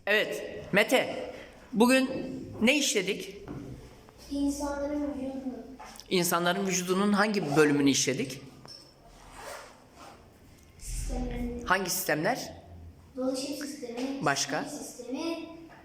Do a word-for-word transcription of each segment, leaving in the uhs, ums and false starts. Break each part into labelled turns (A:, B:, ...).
A: Evet, Mete. Bugün ne işledik?
B: İnsanların vücudunu.
A: İnsanların vücudunun hangi bölümünü işledik?
B: Sistemlerini.
A: Hangi sistemler?
B: Dolaşım sistemi.
A: Başka?
B: sinir sistemi.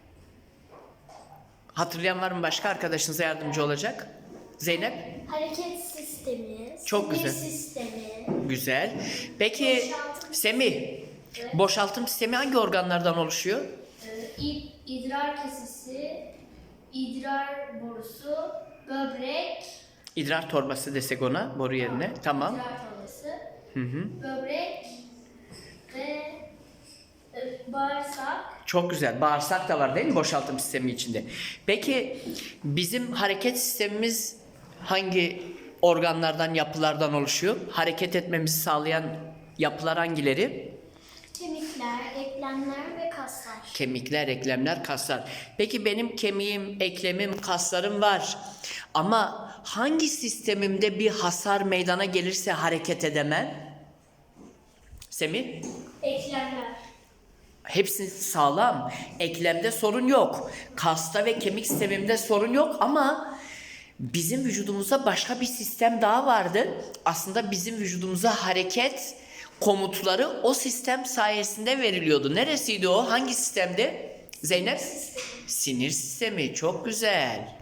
A: Hatırlayan var mı başka? Arkadaşınıza yardımcı olacak. Zeynep?
B: Hareket sistemi.
A: Çok
B: sinir
A: güzel.
B: sistemi.
A: Güzel. Peki
B: Boşaltım.
A: Semih, boşaltım sistemi hangi organlardan oluşuyor?
B: Ee, id- idrar kesesi. idrar borusu. Böbrek.
A: İdrar torbası desek ona, boru yerine. Tamam.
B: İdrar torbası.
A: Hı hı.
B: Böbrek. Ve e, bağırsak.
A: Çok güzel. Bağırsak da var değil mi boşaltım sistemi içinde? Peki bizim hareket sistemimiz hangi organlardan, yapılardan oluşuyor? Hareket etmemizi sağlayan yapılar hangileri?
B: Kemikler, eklemler ve kaslar.
A: Kemikler, eklemler, kaslar. Peki benim kemiğim, eklemim, kaslarım var. Ama hangi sistemimde bir hasar meydana gelirse hareket edemem? Semih?
B: Eklemler.
A: Hepsi sağlam. Eklemde sorun yok. Kasta ve kemik sistemimde sorun yok ama bizim vücudumuzda başka bir sistem daha vardı. Aslında bizim vücudumuza hareket komutları o sistem sayesinde veriliyordu. Neresiydi o? Hangi sistemdi? Zeynep? Sinir sistemi. Çok güzel.